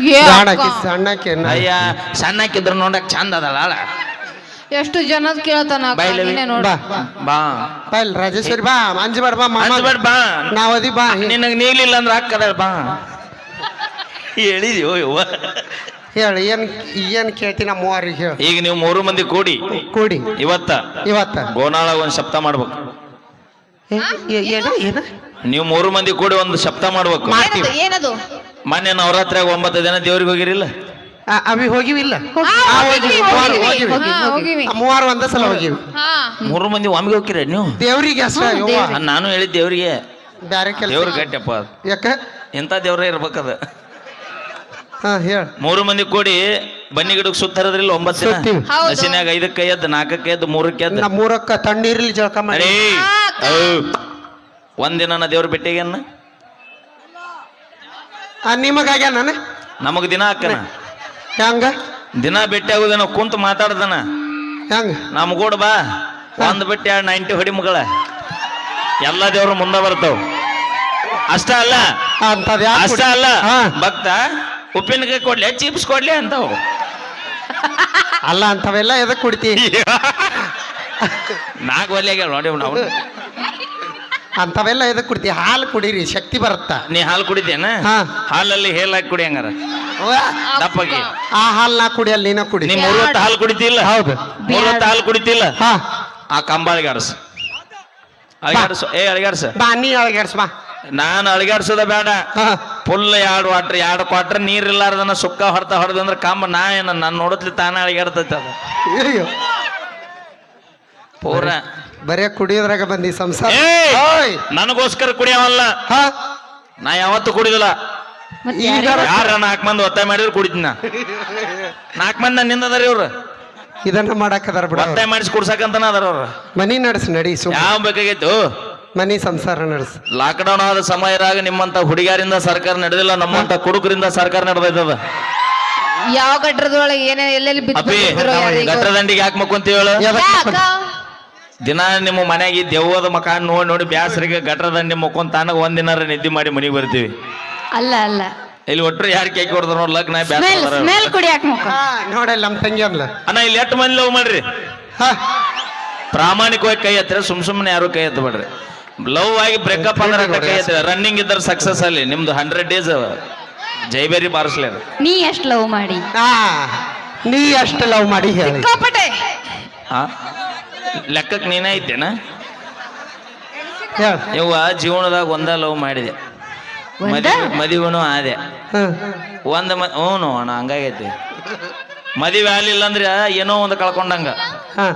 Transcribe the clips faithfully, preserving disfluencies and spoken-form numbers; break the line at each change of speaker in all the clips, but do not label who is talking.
ಏ
ಬ್ಯಾಡ
ಅಕ್ಕ.
ಆಕಿ ಸಣ್ಣಕ್ಕೆ
ಅಯ್ಯ ಸಣ್ಣಕ್ಕಿದ್ರು ನೋಡಕ್ ಚಂದ ಅದಲ್ಲ ಅಳ
ಎಷ್ಟು ಜನದ್ ಕೇಳ್ತಾನ ಅಕ್ಕ,
ಬೈಲವಿ.
ನೀನೇ ನೋಡು.
ಬಾ
ಬಾ
ಬೈಲ್ ರಾಜೇಶ್ವರಿ ಬಾ ಅಂಜಬೇಡ ಬಾ ಮಾಮ
ಅಂದ್ಬೇಡ ಬಾ
ನಾವದಿ ಬಾ
ನಿನಗ್ ನೀಗ್ಲಿಲ್ಲ ಅಂದ್ರೆ ಹಾಕದ ಬಾ ಹೇಳಿದ್ಯೋ ಯವ್ವ
ಹೇಳ ಏನ್ ಏನ್ ಕೇಳ್ತಿ ನಮ್ಮ ಮೂವರಿಗೆ ಹೇಳ
ಈಗ ನೀವು ಮೂರು ಮಂದಿ ಕೂಡಿ
ಕೂಡಿ
ಇವತ್ತ
ಇವತ್ತ
ಗೋನಾಳ ಒಂದ್ ಶಬ್ದ ಮಾಡ್ಬೇಕು
ಏ, ಏ- ಏನ ಏನ
ನೀವು ಮೂರು ಮಂದಿ ಕೂಡಿ ಒಂದು ಶಬ್ದ ಮಾಡ್ಬೇಕು
ಏನದು ಏನದು
ಮೊನ್ನೆ ನವರಾತ್ರಿಯಾಗ ಒಂಬತ್ತು ದಿನ ದೇವ್ರಿಗೆ ಹೋಗಿರಿಲ್ಲ
ಆ, ಅವಿ ಹೋಗಿವಿಲ್ಲ
ಹಾ,
ಆ,
ಹೋಗಿವಿ,
ಮೂವಾರು
ಹೋಗಿವಿ.
ಹೋಗಿವಿ
ಹಾ, ಹೋಗಿವಿ.
ಆ, ಮೂವಾರು ಒಂದೇ ಸಲ ಹೋಗಿವಿ
ಹಾ
ಮೂರು ಮಂದಿ ಒಮ್ಮೆಗೆ ಹೋಗಿರ ನೀವು
ದೇವ್ರಿಗೆ ಅಷ್ಟ ಯವ್ವ.
ಆ, ನಾನು ಹೇಳಿದ್ ದೇವ್ರಿಗೆ
ಬ್ಯಾರೆ ಕೆಲಸ
ದೇವ್ರ ಗಟ್ಟಿಯಪ್ಪ ಅದು.
ಯಾಕ
ಎಂತ ದೇವ್ರೇ ಇರ್ಬೇಕದ
ಹಾ ಹೇಳ
ಮೂರು ಮಂದಿ ಕೂಡಿ ಬನ್ನಿ ಗಿಡಕ್ಕೆ ಸುತ್ತರದ್ರಿಲ್ಲ ಒಂಬತ್ತು ದಿನ
ಸುತ್ತೀವಿ.
ಹೌದು.
ಹಸಿನಾಗ ಐದಕ್ಕೆ ಎದ್ದು ನಾಲ್ಕಕ್ಕೆ ಎದ್ದು ಮೂರಕ್ಕೆ ಎದ್ದು
ನಮ್ಮ ಮೂರಕ್ಕ ತಣ್ಣೀರ್ಲಿ ಜಳಕ ಮಾಡಿ
ಅರೇ
ಹಾ, ಅಕ್ಕ.
ಔ. ಒಂದಿನ ನಾ ದೇವ್ರ ಭೇಟಿಗೇನ
ನಿಮಗಾಗ್ಯ ನಾನು
ನಮಗ್ ದಿನ ಹಾಕನ
ಹೆಂಗ
ದಿನ ಭೇಟಿ ಆಗುದನ ಕುಂತ ಮಾತಾಡ್ದನ
ಹೆಂಗ
ನಮ್ಗೂಡ ಬಾ ಒಂದ್ ಬಿಟ್ಟು ಎರಡು ನೈಂಟಿ ಹೊಡಿ ಮಗಳ ಎಲ್ಲ ದೇವ್ರು ಮುಂದೆ ಬರ್ತಾವ ಅಷ್ಟ ಅಲ್ಲ
ಅಂತದ್
ಅಷ್ಟ ಅಲ್ಲ
ಹಾ.
ಭಕ್ತ ಉಪ್ಪಿನಕಾಯಿ ಕೊಡ್ಲಿ ಚಿಪ್ಸ್ ಕೊಡ್ಲಿ ಅಂತಾವ್
ಅಲ್ಲ ಅಂತವೆಲ್ಲ ಎದಕ್ ಕುಡಿತಿ
ನಾಲ್ಕು ಒಲೆಗೆ ನೋಡಿ ನಾವು
ಅಂತವೆಲ್ಲ ಎದಕ್ ಕುಡಿತಿ ಹಾಲು ಕುಡೀರಿ ಶಕ್ತಿ ಬರುತ್ತ
ನೀ ಹಾಲು ಕುಡಿತೇನ
ಹಾ.
ಹಾಲಲ್ಲಿ ಹೇಲ್ ಹಾಕಿ ಕುಡಿ ಹಂಗಾರ ದಪ್ಪಗೆ
ಆ ಹಾಲ್ ನಾ ಕುಡಿಯಲ್ಲ ನೀನ ಕುಡಿ
ನೀ ಮೂರೊತ್ತು ಹಾಲು ಕುಡಿತಿಲ್ಲ
ಹೌದು
ಮೂರೊತ್ತು ಹಾಲು ಕುಡಿತಿಲ್ಲ
ಹಾ
ಆ ಕಂಬಾಳಿಗೆ ಆಡಸು ಅಳಿಗಾಡ್ಸು ಏ ಅಳಿಗಾಡ್ಸ
ಬಾ ನೀ ಅಳಗ್ಯಾಡ್ಸ್ ಬಾ
ನಾನು ಅಳಿಗಾಡ್ಸೋದ ಬೇಡ
ಹಾ
ಫುಲ್ ಎರಡು ವಾಟ್ರ್ ಎರಡು ಕ್ವಾಟ್ರ್ ನೀರ್ ಇಲ್ಲಾರ್ದನ ಸುಕ್ಕ ಹೊಡ್ತಾ ಹೊಡೆದಂದ್ರೆ ಕಂಬ ನಾ ಏನ ನಾನು ನೋಡತ್ಲಿ ತಾನೇ ಅಳಿಗಾಡ್ತೈತೆ ಅದು
ಅಯ್ಯೋ
ಪೂರ
ಬರೇ ಕುಡಿಯೋದ್ರಾಗ ಬಂದಿ ಸಂಸಾರ
ಏಯ್!
ಓಯ್!
ನನಗೋಸ್ಕರ ಕುಡಿಯವಲ್ಲ
ಹಾ
ನಾ ಯಾವತ್ತೂ ಕುಡಿದಿಲ್ಲ
ಮತ್ತೆ
ಈಗ
ಯಾರಿಗೆ-
ಯಾರ ನಾಲ್ಕು ಮಂದಿ ಒತ್ತಾಯ ಮಾಡಿದ್ರು ಕುಡಿತೀನಿ ನಾ ನಾಲ್ಕು ಮಂದಿ ನನ್ನ ನಿಂದದಾರಿ ಇವ್ರು
ಇದನ್ನ ಮಾಡಾಕದಾರ ಬಿಡ
ಒತ್ತಾಯ ಮಾಡಿಸಿ ಕುಡ್ಸಕಂತನ ಅದಾರ ಅವ್ರು
ಮನಿ ನಡ್ಸ್ ನಡಿ ಸುಮ್
ಯಾವ ಬೇಕಾಗಿತ್ತು
ಮನಿ ಸಂಸಾರ ನಡ್ಸ್
ಲಾಕ್ಡೌನ್ ಆದ ಸಮಯದಾಗ ನಿಮ್ಮಂತ ಹುಡುಗಿಯರಿಂದ ಸರ್ಕಾರ ನಡೆದಿಲ್ಲ ನಮ್ಮಂತ ಕುಡುಕರಿಂದ ಸರ್ಕಾರ ನಡೆದೈತದ
ಯಾವ ಗಟ್ರದೊಳಗೆ ಏನೇ ಎಲ್ಲೆಲ್ಲಿ ಬಿದ್ದು
ಅಪ್ಪಿ
ಬಂದಿದ್ರೋ ಯಾರಿಗೋ.
ಗಟ್ರ ದಂಡಿಗೆ ಯಾಕೆ ಮಕ್ಕೊಂತೀವಿ ಹೇಳು
ಎದಕ್
ಯಾಕ?
ದಿನ ನಿಮ್ಮ ಮನೆಯಾಗಿ ದೆವ್ವದ ಮಕ ನೋಡಿ ನೋಡಿ ಬ್ಯಾಸರಿಗೆ ಗಟ್ರ ದಂಡಿ ಮಕ್ಕೊಂಡ್ ತಾನಾಗ ಒಂದಿನಾರ ನಿದ್ದೆ ಮಾಡಿ ಮನೆಗೆ ಬರ್ತೀವಿ
ಅಲ್ಲ ಅಲ್ಲ
ಇಲ್ಲಿ ಒಟ್ರು ಯಾರು ಕೇಕ್ ಹೊಡೆದ್ರು ನೋಡ್ ಲಗ್ನ
ಸ್ಮೆಲ್
ಬ್ಯಾಸ
ಸ್ಮೆಲ್ ಕುಡಿಯಾಕ ಮುಖ
ಹಾ ನೋಡಲ್ಲ ನಮ್ ತಂಗಿ ಅನ್ಲ
ಅಣ್ಣ ಇಲ್ಲಿ ಎಷ್ಟು ಮಂದಿ ಲವ್ ಮಾಡ್ರಿ
ಹಾ
ಪ್ರಾಮಾಣಿಕವಾಗಿ ಕೈ ಎತ್ತರೆ ಸುಮ್ ಸುಮ್ಮನೆ ಯಾರು ಕೈ ಎತ್ತಬೇಡ್ರಿ ಲವ್ ಆಗಿ ಬ್ರೇಕಪ್ ಅಂದ್ರೆ ಅಟ್ಟ ಕೈ ಎತ್ತರೆ ರನ್ನಿಂಗ್ ಇದ್ದಾರೆ ಸಕ್ಸಸ್ ಅಲ್ಲಿ ನಿಮ್ದು ಹಂಡ್ರೆಡ್ ಡೇಸ್ ಜೈಬೇರಿ ಬಾರಿಸ್ಲಿ ಅದು
ನೀ ಎಷ್ಟು ಲವ್ ಮಾಡಿ
ಹಾ ನೀ ಅಷ್ಟು ಲವ್ ಮಾಡಿ ಹೇಳಿ
ಸಿಕ್ಕಾಪಟ್ಟೆ
ಆ ಲೆಕ್ಕಕ್ಕೆ ನೀನೇ ಐತೇನ
ಹೇಳ
ಇವ ಜೀವನದಾಗ ಒಂದ ಲವ್ ಮಾಡಿದೆ
ಒಂದ?
ಮದುವೆ ಮದುವೆನೂ ಆದೆ
ಹಾ
ಒಂದ ಮ ಹ್ಞೂ ಅಣ್ಣ ಹಂಗಾಗೈತಿ ಮದುವೆ ಆಗ್ಲಿಲ್ಲ ಅಂದ್ರೆ ಏನೋ ಒಂದು ಕಳ್ಕೊಂಡಂಗ
ಹಾ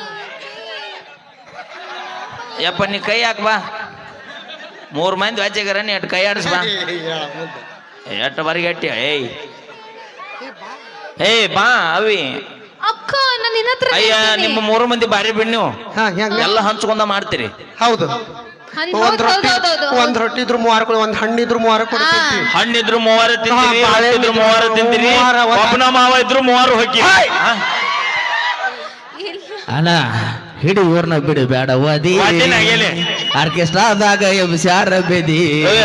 ಯಪ್ಪ ನೀ ಕೈ ಹಾಕ್ ಬಾ ಮೂರ್ ಮಂದಿ ವಾಚ್ಯಾಗಾರ ನೀ ಎಟ್ ಕೈ ಆಡಿಸ್ ಬಾ ಎಟ್ಟು ಬರಿಗೆ ಎಟ್ಟಿ ಏಯ್ ಏಯ್ ಬಾ ಅವಿ
ಅಕ್ಕ ನಾನು ನಿನ್ನ ಹತ್ರ
ಅಯ್ಯ ನಿಮ್ಮ ಮೂರು ಮಂದಿ ಬಾರಿ ಬಿಡ್ ನೀವು
ಹಾ ಹೆಂಗ
ಎಲ್ಲ ಹಂಚ್ಕೊಂಡ ಮಾಡ್ತೀರಿ
ಹೌದು
ಹನ್-
ಒಂದ್
ಹೌದ್
ರೊಟ್ಟಿ
ಹೌದ್ ಹೌದ್ ಹೌದ್.
ಒಂದ್ ರೊಟ್ಟಿ ಇದ್ರು ಮೂವಾರು ಕೊಡು ಒಂದ್ ಹಣ್ಣಿದ್ರು ಮೂವಾರು ಕೊಡ್ತೀವಿ
ಹಣ್ಣಿದ್ರು ಮೂವಾರು ತಿಂತೀರಿ
ಹಾ, ಬಾಳೆ
ಇದ್ರು ಮೂವಾರು ತಿಂತೀರಿ
ಮೂವಾರ, ಒಂದ್-
ಒಬ್ಬನ ಮಾವ ಇದ್ರು ಮೂವಾರು ಹೋಗಿ
ಅಣ್ಣ ಹಿಡಿ ಊರ್ನ ಬಿಡು ಬೇಡ ಓದಿ ಆರ್ಕೆಸ್ಟ್ರಾದಾಗ ಎಬ್ಸ್ಯಾರ ಬೆದಿ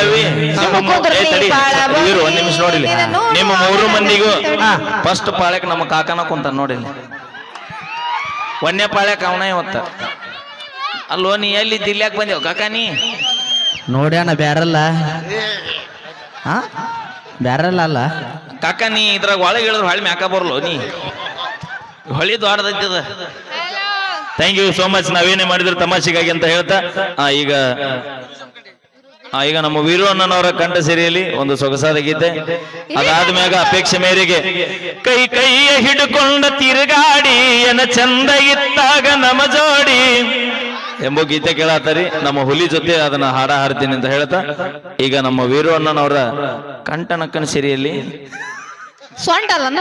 ಒಂದ್ ನಿಮಿಷ ನೋಡಿಲಿ ನಿಮ್ಮ ಮೂರು ಮಂದಿಗೂ ಫಸ್ಟ್ ಪಾಳ್ಯಕ್ ನಮ್ಮ ಕಾಕನ ಕುಂತ ನೋಡಿಲಿ ಒಂದೇ ಪಾಳ್ಯಕ್ ಅವನ ಇವತ್ತ ಅಲ್ಲೋ ನೀ ಎಲ್ಲಿ ದಿಲ್ಯಾಕ್ ಬಂದೇವ್ ಕಾಕ ನೀ
ನೋಡ್ಯಾಣ ಬ್ಯಾರಲ್ಲ ಹಾ ಬ್ಯಾರಲ್ಲ ಅಲ್ಲ
ಕಾಕ ನೀ ಇದ್ರಾಗ ಒಳಗೆ ಹೇಳಿದ್ರು ಹೊಳಿ ಮ್ಯಾಕ ಬರ್ಲೋ ನೀ ಹೊಳಿ ದೊಡ್ಡದೈತದ ಥ್ಯಾಂಕ್ ಯು ಸೋ ಮಚ್ ನಾವೇನೇ ಮಾಡಿದ್ರು ತಮಾಷೆಗಾಗಿ ಅಂತ ಹೇಳ್ತಾ ಆ, ಈಗ ಆ, ಈಗ ನಮ್ಮ ವೀರು ಅಣ್ಣನವರ ಕಂಠ ಸಿರಿಯಲ್ಲಿ ಒಂದು ಸೊಗಸಾದ ಗೀತೆ ಅದಾದ್ಮ್ಯಾಗ ಅಪೇಕ್ಷೆ ಮೇರೆಗೆ ಕೈ ಕೈಯ ಹಿಡ್ಕೊಂಡ ತಿರುಗಾಡಿ ಎನ ಚಂದ ಇತ್ತಾಗ ನಮ ಜೋಡಿ ಎಂಬ ಗೀತೆ ಕೇಳಾತರಿ ನಮ್ಮ ಹುಲಿ ಜೊತೆ ಅದನ್ನ ಹಾಡ ಹಾಡ್ತೀನಿ ಅಂತ ಹೇಳ್ತಾ ಈಗ ನಮ್ಮ ವೀರು ಅಣ್ಣನವರ ಕಂಠನಕ್ಕನ ಸಿರಿಯಲ್ಲಿ
ಸೊಂಟ ಅದನ್ನ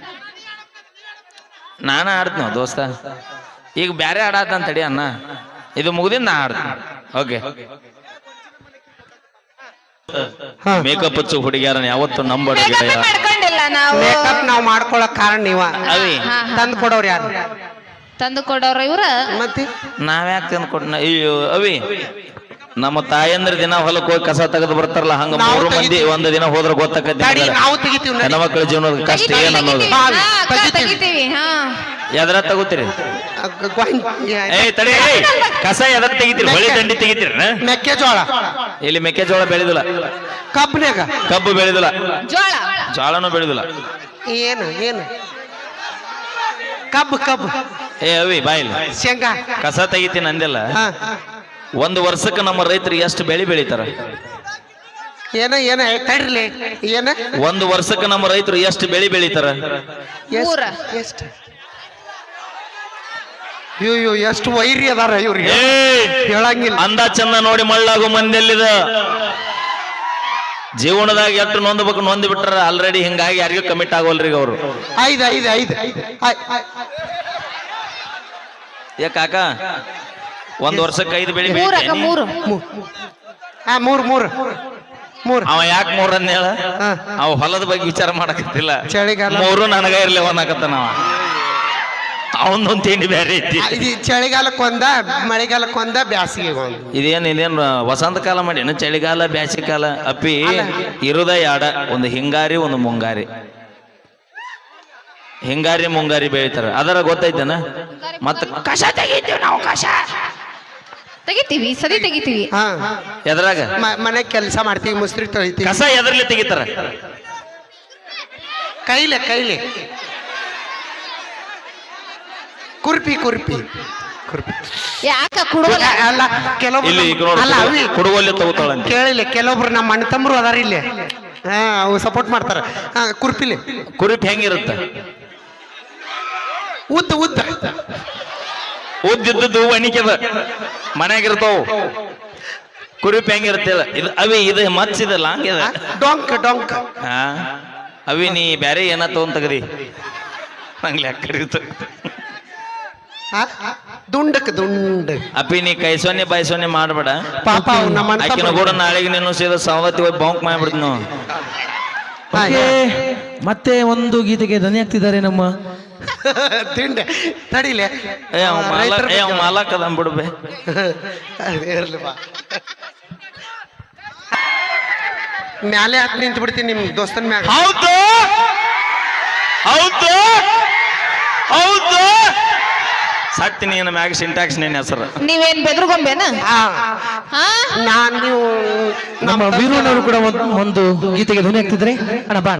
ನಾನ ಆಡ್ತೀನಿ ದೋಸ್ತ ಈಗ ಬ್ಯಾರೆ ಆಡಾತಂತ ತಡಿ ಅಣ್ಣ ಇದು ಮುಗ್ದಿಂದ ನಾ ಆಡ್ತೀನಿ ಓಕೆ
ಹಾ
ಮೇಕಪ್ ಹಚ್ಚು ಹುಡುಗಿಯಾರನ್ನ ಯಾವತ್ತು ನಂಬಡ
ಮೇಕಪ್ ಮಾಡ್ಕೊಂಡಿಲ್ಲ ನಾವು
ಮೇಕಪ್ ನಾವ್ ಮಾಡ್ಕೊಳಕ್ ಕಾರಣ ನೀವ
ಅವಿ
ಹಾ, ಹಾ.
ತಂದ್ ಕೊಡೋರ್ ಯಾರು
ತಂದು ಕೊಡೋರ ಇವ್ರ
ಮತ್ತೆ
ನಾವ್ಯಾಕೆ ತಂದು ಕೊಟ್ಟ ಅಯ್ಯೋ ಅವಿ ನಮ್ಮ ತಾಯಂದ್ರ ದಿನ ಹೊಲಕ್ಕೆ ಹೋಗಿ ಕಸ ತೆಗೆದು ಬರ್ತಾರಲ್ಲ ಹಂಗ
ನಾವು
ಮೂರು ಮಂದಿ
ತೆಗಿತೀವಿ.
ಒಂದು ದಿನ ಹೋದ್ರೆ
ಗಾಡಿ
ಗೊತ್ತಾಕತಿ
ನಾವು ತೆಗಿತೀವಿ ನಡಿ.
ಹೆಣ್ಮಕ್ಳ ಜೀವನದ ಕಷ್ಟ
ತೆಗಿತೀವಿ,
ಏನ್ ಅನ್ನೋದು
ತೆಗಿತೀವಿ.
ಬಾವಿ,
ಹಾ, ಅಕ್ಕ,
ತೆಗಿತೀವಿ.
ತೆಗಿತೀವಿ ಹಾ
ಎದ್ರ ತಗೋತೀರಿ
ಅಗ್- ಗ್ವಾಂಗ್-
ಏಯ್ ತಡಿ ಏಯ್, ಕಸ ಎದ್ರ ತೆಗಿತೀರಿ ಹೊಳಿ ದಂಡಿ ತೆಗಿತೀರಿ
ಮೆಕ್ಕೆಜೋಳ
ಇಲ್ಲಿ ಮೆಕ್ಕೆಜೋಳ ಬೆಳೆದಿಲ್ಲ
ಕಬ್ಬಿನಾಗ
ಕಬ್ಬು ಬೆಳೆದಿಲ್ಲ
ಜೋಳ
ಜೋಳನೂ ಬೆಳೆದಿಲ್ಲ
ಏನು ಏನು ಕಬ್ಬು ಕಬ್ಬು
ಏ ಅವಿ ಬಾಯಿಲ್ಲ
ಶೇಂಗಾ
ಕಸ ತೆಗಿತೀನಿ ಅಂದಿಲ್ಲ
ಹಾ
ಒಂದು ವರ್ಷಕ್ಕೆ ನಮ್ಮ ರೈತರು ಎಷ್ಟು ಬೆಳೆ ಬೆಳಿತಾರ
ಏನ ಏನ ತಡ್ರಿಲಿ ಏನ
ಒಂದು ವರ್ಷಕ್ಕೆ ನಮ್ಮ ರೈತರು ಎಷ್ಟು ಬೆಳೆ ಬೆಳಿತಾರ
ಎಷ್ಟ್-
ಮೂರ.
ಎಷ್ಟ್ ಇವ್ ಇವ್ ಎಷ್ಟು ವೈರಿ ಅದಾರ ಇವ್ರಿಗೆ
ಏಯ್!
ಹೇಳಂಗಿಲ್ಲ
ಅಂದ ಚಂದ ನೋಡಿ ಮಳ್ಳಾಗು ಮಂದಿಯಲ್ಲಿದ ಜೀವನದಾಗ ಎಷ್ಟು ನೊಂದ್ಬೇಕು ನೊಂದ್ ಬಿಟ್ರ ಆಲ್ರೆಡಿ ಹಿಂಗಾಗಿ ಯಾರಿಗೂ ಕಮಿಟ್ ಆಗೋಲ್ರಿ ಈಗ ಅವರು
ಐದು ಐದು ಐದು ಐ- ಐ-
ಏ ಕಾಕ ಒಂದ್ ವರ್ಷಕ್ಕೆ ಐದು ಬೆಳೆ
ಮೂರ ಅಕ್ಕ
ಬೆಳಿತೀನಿ
ಮೂರು
ಮೂ- ಹಾ ಮೂರು ಮೂರು ಮೂರು
ಅವ ಯಾಕೆ ಮೂರನ್ನ ಹೇಳ
ಹಾ.
ಅವ ಹೊಲದ ಬಗ್ಗೆ ವಿಚಾರ ಮಾಡಕತ್ತಿಲ್ಲ
ಚಳಿಗಾಲ
ಮೂರು ನನಗ ಇರ್ಲಿ ಅವನಾಕತ್ತ ನಾವ ಅವನೊಂದ್ ತಿಂಡಿ ಬೇರೆ ಐತಿ
ಆ, ಇದು ಚಳಿಗಾಲಕ್ಕೊಂದ ಮಳೆಗಾಲಕ್ಕೊಂದ ಬ್ಯಾಸಿಗೆ ಒಂದು
ಇದೇನ್ ಇದೇನ್ ವಸಂತ ಕಾಲ ಮಾಡಿ ಚಳಿಗಾಲ ಬ್ಯಾಸಿಗೆ ಕಾಲ ಅಪ್ಪಿ ಇರುದ ಯಾಡ ಒಂದು ಹಿಂಗಾರಿ ಒಂದು ಮುಂಗಾರಿ ಹಿಂಗಾರಿ ಮುಂಗಾರಿ ಬೆಳಿತಾರ ಅದರ ಗೊತ್ತೈತೇನ ಮತ್ತ ಕಷ ತೆಗಿತೀವಿ ನಾವು ಕಷ
ತೆಗಿತೀವಿ ಸದಿ ತೆಗಿತೀವಿ
ಹಾ
ಎದ್ರಾಗ
ಮ- ಮನೆ ಕೆಲಸ ಮಾಡ್ತೀವಿ ಮುಸ್ರಿ ತೊಳಿತೀವಿ
ಕಸ ಎದ್ರಲ್ಲಿ ತೆಗಿತಾರ
ಕೈಲೆ ಕೈಲೆ ಕುರ್ಪಿ ಕುರ್ಪಿ ಕುರ್ಪಿ
ಯಾಕ ಕುಡುವಲ್ಲ
ಅಲ್ಲ ಕೆಲವೊಬ್ರು
ಇಲ್ಲಿ ಈಗ
ನಮ್ಮ- ಅಲ್ಲ ಅವಿ
ನೋಡು ಕುಡುವಲ್ಲಿ ತಗೋತಾಳಂತ
ಕೇಳಿಲ್ಲ ಕೆಲವೊಬ್ರು ನಮ್ಮ ಅಣ್ಣ ತಮ್ಮರು ಅದಾರ ಇಲ್ಲಿ ಹಾ ಅವು ಸಪೋರ್ಟ್ ಮಾಡ್ತಾರ ಹಾ ಕುರ್ಪಿಲಿ
ಕುರಿಪ್ ಹೆಂಗಿರುತ್ತ
ಉದ್ದ ಉದ್ದ
ಉದ್ದಿದ್ದದ್ದು ಒಣಿಕೆದ ಮನ್ಯಾಗಿರ್ತಾವ ಕುರಿಪ್ ಹೆಂಗಿರುತ್ತೆ ಇದು ಅವಿ ಇದು ಮಚ್ಚಿದಲ್ಲ ಹಂಗಿದ
ಡೊಂಕ್ ಡೊಂಕ್
ಹಾ ಅವಿ ನೀ ಬ್ಯಾರೆ ಏನ ತಗೊಂಡ್ ತಗದಿ ನಂಗೆ ಲೆಕ್ಕ
ಆ? ದುಂಡಕ್ ದುಂಡ್
ಅಪ್ಪಿ ನೀ ಕೈ ಸೊನ್ನೆ ಬಾಯಿ ಸೊನ್ನೆ ಮಾಡ್ಬೇಡ
ಪಾಪ ಅವ್ ನಮ್ಮ ಅಣ್ಣ
ಆಕಿನ
ತಮ್ಮ-
ಕೂಡ ನಾಳೆಗೆ ನೀನು ಸೀದಾ ಸವದತ್ತಿ ಹೋಗಿ ಬಾಂಕ್ ಮಾಡ್ಬಿಡ್ತು ನಾವು
ಹಾ,
ಓಕೆ, ಮತ್ತೆ ಒಂದು ಗೀತೆಗೆ ಧ್ವನಿ ಆಗ್ತಿದ್ದಾರೆ ನಮ್ಮ
ದಿಂಡ ತಡಿಲೆ
ಏ ಅವ್ ಮಾಲ
ರೈತರ
ಏ ಅವ್ ಮಾಲಕ್ ಅದ ಬಿಡ್ಬೆ
ಇರ್ಲಿ ಬಾ ಮ್ಯಾಲೆ ಹತ್ ನಿಂತು ಬಿಡ್ತೀನಿ ನಿಮ್ ದೋಸ್ತನ್ ಮ್ಯಾಗ
ಹೌದು ಹೌದು ಹೌದು ಸತ್ತಿ ನೀನು ಮ್ಯಾಗ ಸಿಂಟ್ಯಾಕ್ಸ್ ನಿನ್ನ ಹೆಸರು
ನೀವೇನ್ ಬೆದ್ರುಗೊಂಬೇನ
ಹಾ
ಹಾ
ನಾನ್ ನೀವು
ನಮ್ಮ ವೀರಣ್ಣವರು ಕೂಡ ಒಂದು ಒಂದು ಗೀತೆಗೆ ಧ್ವನಿ ಆಗ್ತಿದ್ರೆ ಅಣ್ಣ ಬಾ